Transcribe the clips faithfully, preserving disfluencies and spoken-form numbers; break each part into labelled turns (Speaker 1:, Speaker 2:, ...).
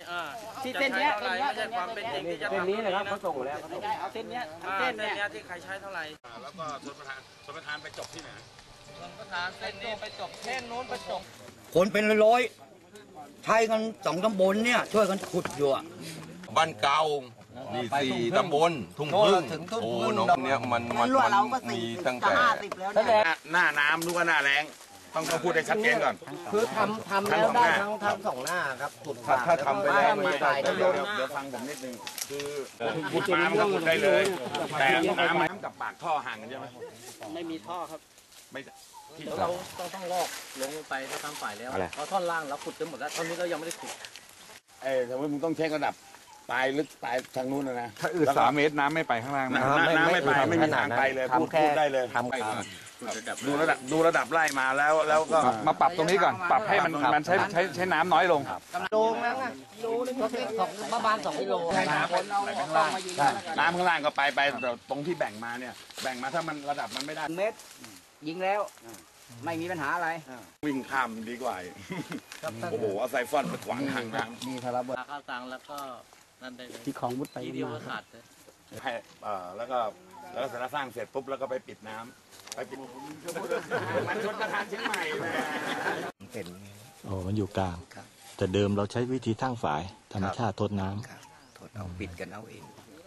Speaker 1: ที่เส้นเนี้ยเส้นเนี้ย
Speaker 2: ไม่ใช่ความเป็นจริงที่จะ
Speaker 3: เส้น
Speaker 2: ทำ
Speaker 3: นี้นะครับเขาส่งแล้ว
Speaker 1: ไม่ได้เอาเส้นเนี้ย
Speaker 2: อ่า
Speaker 1: เส้น
Speaker 2: เส้น
Speaker 1: เนี้ย
Speaker 2: เนี้ยที่ใครใช้เท่าไหร่แล้วก็ชนประธานชนประธานไปจบที่ไหนชนประธานเส้นนี้ไปจบเส้นนู้นไปจบ
Speaker 4: คนเป็นร้อยใช้กันสองตำบลเนี่ยช่วยกันขุดอยู่อะ
Speaker 5: บ้านเก่านี่สี่ตำบลทุ่งพึ่งโอ้น้องเนี้ยมันมันมันมีตั้งแต่
Speaker 6: หน้าน้ำหรือว่าหน้าแล้งต้องต้องพูดให้ชัดเจนก่อน
Speaker 3: คือทำทำแล้วได้ทั้งทั้งสองหน้าครับขุด
Speaker 6: ถ้าถ้าทำไปแล้ว
Speaker 3: มี
Speaker 6: ไม่
Speaker 3: สา
Speaker 6: ได้
Speaker 3: ย
Speaker 6: เดี๋ยวเดี๋ยวเดี๋ยวฟังผมนิดนึงคือขุดมามันก็ขุดได้เลย แต่น้ำมันกับปากท่อห่างกันใช่ไหม
Speaker 1: ไม่มีท่อครับ
Speaker 6: ไม่ที่
Speaker 1: เราต้องต้องลอกลงไปถ้าทำฝ่ายแล้วเพราะท่อนล่างเราขุดจนหมดแล้วท่อนนี้เรายังไม่ได้ขุด
Speaker 6: เออสมมติมึงต้องเช็คระดับปลายลึกปลายทางนู้นนะนะ
Speaker 7: ถ้าอืดสามเมตรน้ำไม่ไปข้างล่างนะ
Speaker 6: น้ำน้ำไม่ไปไม่มีทางไปเลยพูดพูดได้เลย
Speaker 3: ทำแค่
Speaker 6: ดูระดับดูระดับไล่มาแล้วแล้วก็
Speaker 7: มาปรับตรงนี้ก่อน ปรับให้มันมันใช้ใช้ใช้น้ำน้อยลง
Speaker 3: โลนึงนะโลนึงก็สองประมาณสองกิโล
Speaker 6: ให้น้ำคนเอาข้างล่างน้ำข้างล่างก็ไปไปแต่ตรงที่แบ่งมาเนี่ยแบ่งมาถ้ามันระดับมันไม่ได้
Speaker 1: เมตรยิงแล้วไม่มีปัญหาอะไร
Speaker 6: วิ่งข้ามดีกว่าโอ้โหเอาไซฟอนไปขวางทางน้ำ
Speaker 3: มีทาราบ
Speaker 1: ข้าวตังแล้วก็นั่นได้เลย
Speaker 3: ที่ของวุฒิไป
Speaker 1: ทีเดียวก็ขาดเลย
Speaker 6: ให้เอ่อแล้วก็แล้วก็เสร็จแล้วสร้างเสร็จปุ๊บแล้วก็ไปปิดน้ำไปปิดมันชนประธานเชียงใหม่เลย
Speaker 3: เป็น
Speaker 8: โอ้มันอยู่กลาง แต่เดิมเราใช้วิธีทั้งฝาย ธรรมชาติทดน้
Speaker 4: ทดเอาปิดกันเอาเอง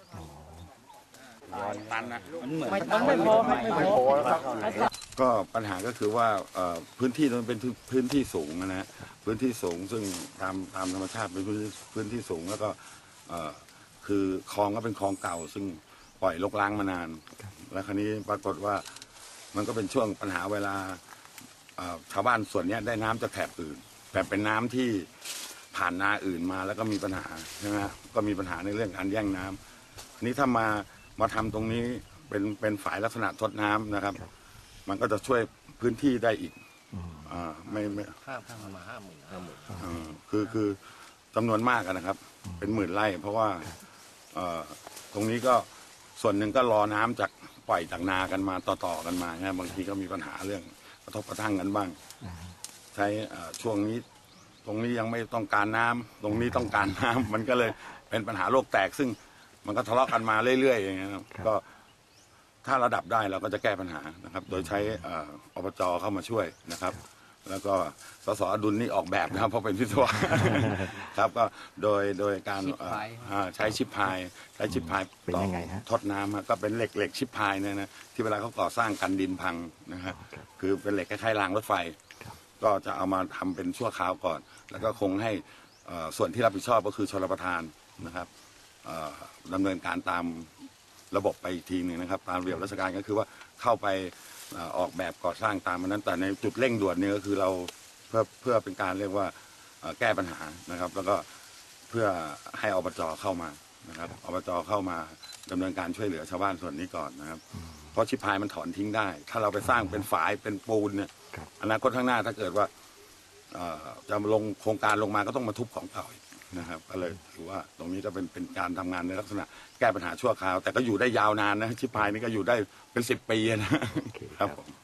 Speaker 6: ร้อนตันนะ
Speaker 1: ไม่ต้องไม่พอไม่พอ
Speaker 6: ก็ปัญหาก็คือว่าเอ่อพื้นที่มันเป็นพื้นที่สูงนะฮะพื้นที่สูงซึ่งตามตามธรรมชาติเป็นพื้นที่พื้นที่สูงแล้วก็เอ่อคือคลองก็เป็นคลองเก่า ซึ่งปล่อยรกร้างมานาน แล้วคราวนี้ปรากฏว่ามันก็เป็นช่วงปัญหาเวลาเอ่อชาวบ้านส่วนเนี้ยได้น้ำจากแถบอื่น แต่เป็นน้ำที่ผ่านนาอื่นมาแล้วก็มีปัญหาใช่ไหมฮะก็มีปัญหาในเรื่องการแย่งน้ำอันนี้ถ้ามามาทำตรงนี้เป็นเป็นฝายลักษณะทดน้ำนะครับ มันก็จะช่วยพื้นที่ได้อีกอ่าไม่ไม่
Speaker 3: ข้ามข้ามมาห้าหมื่นห้าหมื่น
Speaker 6: อ่าคือคือจำนวนมากอะนะครับ เป็นหมื่นไร่ เพราะว่าเอ่อตรงนี้ก็ส่วนหนึ่งก็รอน้ำจากปล่อยจากนากันมาต่อๆกันมานะบางทีก็มีปัญหาเรื่องกระทบกระทั่งกันบ้าง ใช้เอ่อช่วงนี้ ตรงนี้ยังไม่ต้องการน้ำตรงนี้ต้องการน้ำ มันก็เลยเป็นปัญหาโลกแตกซึ่งมันก็ทะเลาะกันมาเรื่อยๆอย่างเงี้ยครับก็ถ้าระดับได้เราก็จะแก้ปัญหานะครับ โดยใช้เอ่ออบจเข้ามาช่วยนะครับ แล้วก็สสอดุลนี่ออกแบบนะครับเพราะเป็นวิศวะ ครับก็โดยโดยการเอ่ออ่าใช้ชิปพายใช้ชิปพาย
Speaker 8: ำเป็น
Speaker 6: ต่อ
Speaker 8: ยังไงฮะ
Speaker 6: ทดน้ำฮะก็เป็นเหล็กเหล็กชิปพายเนี่ยนะที่เวลาเขาก่อสร้างกันดินพังนะครับคือเป็นเหล็กคล้ายๆรางรถไฟ ก็จะเอามาทำเป็นชั่วคราวก่อน แล้วก็คงให้เอ่อส่วนที่รับผิดชอบก็คือชลประทานนะครับเอ่อดำเนินการตามระบบไปอีกทีหนึ่งนะครับ ตามระเบียบราชการก็คือว่าเข้าไปเอ่อออกแบบก่อสร้างตามนั้นแต่ในจุดเร่งด่วนเนี่ยก็คือเราเพื่อเพื่อเป็นการเรียกว่าเอ่อแก้ปัญหานะครับ แล้วก็เพื่อให้อบจเข้ามานะครับอบจเข้ามาดำเนินการช่วยเหลือชาวบ้านส่วนนี้ก่อนนะครับ เพราะชิพายมันถอนทิ้งได้ ถ้าเราไปสร้างเป็นฝายเป็นปูนเนี่ยอนาคตข้างหน้าถ้าเกิดว่าเอ่อจะลงโครงการลงมาก็ต้องมาทุบของเก่าอีกนะครับก็เลยถือว่าตรงนี้ก็เป็นเป็นการทำงานในลักษณะแก้ปัญหาชั่วคราว แต่ก็อยู่ได้ยาวนานนะชิพายนี่ก็อยู่ได้เป็นสิบปีนะครับผม